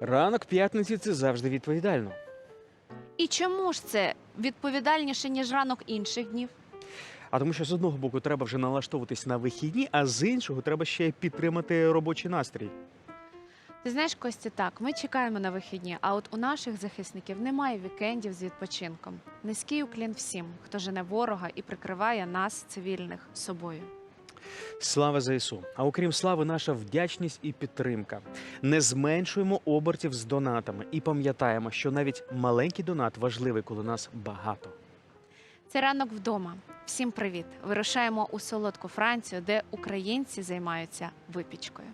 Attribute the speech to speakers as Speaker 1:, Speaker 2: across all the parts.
Speaker 1: Ранок п'ятниці – це завжди відповідально.
Speaker 2: І чому ж це відповідальніше, ніж ранок інших днів?
Speaker 1: А тому що з одного боку треба вже налаштовуватись на вихідні, а з іншого треба ще й підтримати робочий настрій.
Speaker 2: Ти знаєш, Костя, так, ми чекаємо на вихідні, а от у наших захисників немає вікендів з відпочинком. Низький уклін всім, хто жене ворога і прикриває нас, цивільних, собою.
Speaker 1: Слава ЗСУ! А окрім слави, наша вдячність і підтримка. Не зменшуємо обертів з донатами і пам'ятаємо, що навіть маленький донат важливий, коли нас багато.
Speaker 2: Це ранок вдома. Всім привіт! Вирушаємо у солодку Францію, де українці займаються випічкою.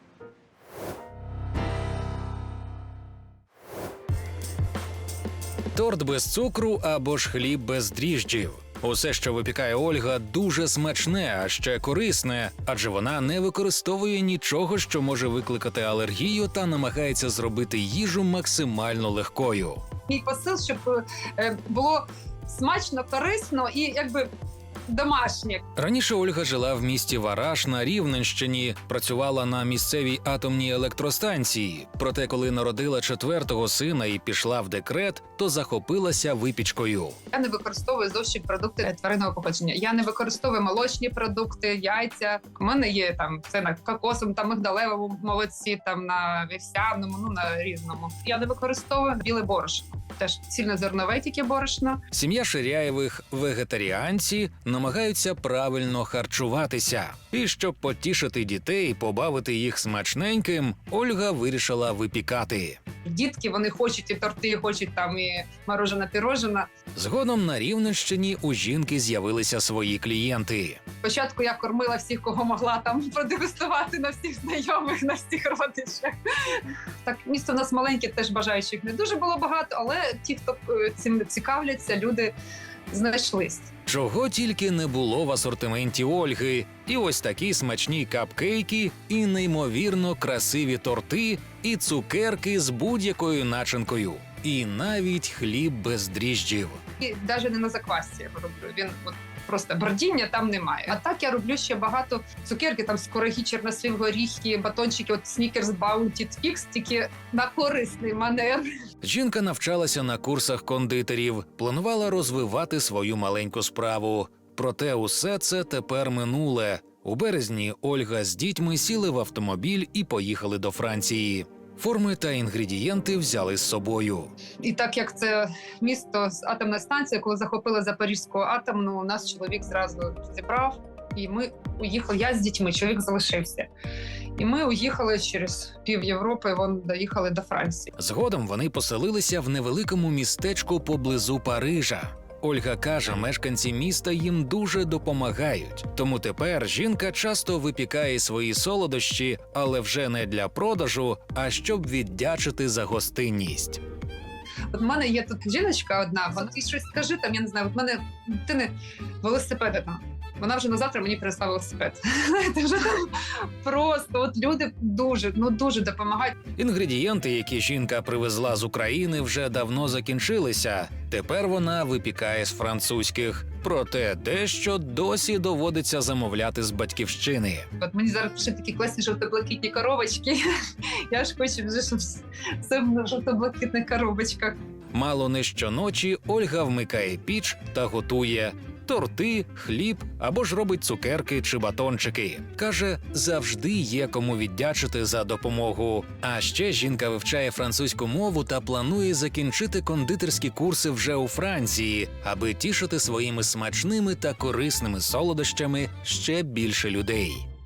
Speaker 3: Торт без цукру або ж хліб без дріжджів. Усе, що випікає Ольга, дуже смачне, а ще корисне, адже вона не використовує нічого, що може викликати алергію, та намагається зробити їжу максимально легкою.
Speaker 4: Мій посил, щоб було смачно, корисно і якби домашнє.
Speaker 3: Раніше Ольга жила в місті Вараш на Рівненщині, працювала на місцевій атомній електростанції. Проте, коли народила четвертого сина і пішла в декрет, то захопилася випічкою.
Speaker 4: Я не використовую зовсім продукти тваринного походження. Я не використовую молочні продукти, яйця. У мене є там це на кокосовому, там мигдалевому молоці, там на вівсяному, ну на різному. Я не використовую біле борошно. Теж цільнозернове тільки борошно.
Speaker 3: Сім'я Ширяєвих – вегетаріанці, намагаються правильно харчуватися. І щоб потішити дітей, побавити їх смачненьким, Ольга вирішила випікати.
Speaker 4: Дітки, вони хочуть і торти, хочуть там і морожене-пірожене.
Speaker 3: Згодом на Рівненщині у жінки з'явилися свої клієнти.
Speaker 4: Спочатку я кормила всіх, кого могла там продегустувати на всіх знайомих, на всіх родичах. Так, місто у нас маленьке, теж бажаючих не дуже було багато, але ті, хто цим цікавляться, люди знайшлись.
Speaker 3: Чого тільки не було в асортименті Ольги. І ось такі смачні капкейки, і неймовірно красиві торти, і цукерки з будь-якою начинкою. І навіть хліб без дріжджів.
Speaker 4: І навіть не на заквасці я роблю. Він от просто бродіння там немає. А так я роблю ще багато цукерки, там скорогі, чорнослив, горіхи, батончики, от Snickers, Bounty, Twix, тільки на корисний манер.
Speaker 3: Жінка навчалася на курсах кондитерів, планувала розвивати свою маленьку справу. Проте усе це тепер минуле. У березні Ольга з дітьми сіли в автомобіль і поїхали до Франції. Форми та інгредієнти взяли з собою.
Speaker 4: І так як це місто з атомної станції, коли захопили Запорізьку атомну, нас чоловік зразу зібрав, і ми уїхали. Я з дітьми, чоловік залишився. І ми уїхали через пів Європи, доїхали до Франції.
Speaker 3: Згодом вони поселилися в невеликому містечку поблизу Парижа. Ольга каже, мешканці міста їм дуже допомагають. Тому тепер жінка часто випікає свої солодощі, але вже не для продажу, а щоб віддячити за гостинність.
Speaker 4: От в мене є тут жіночка одна, вона їй щось скажи, там, я не знаю, от в мене дитини велосипеди там. Вона вже на завтра мені принесла велосипед. Знаєте, вже там просто от люди дуже допомагають.
Speaker 3: Інгредієнти, які жінка привезла з України, вже давно закінчилися. Тепер вона випікає з французьких. Проте дещо досі доводиться замовляти з батьківщини.
Speaker 4: От мені зараз пишуть такі класні жовто-блакитні коробочки. Я ж хочу вже, щоб все в жовто-блакитних коробочках.
Speaker 3: Мало не щоночі Ольга вмикає піч та готує торти, хліб або ж робить цукерки чи батончики. Каже, завжди є кому віддячити за допомогу. А ще жінка вивчає французьку мову та планує закінчити кондитерські курси вже у Франції, аби тішити своїми смачними та корисними солодощами ще більше людей.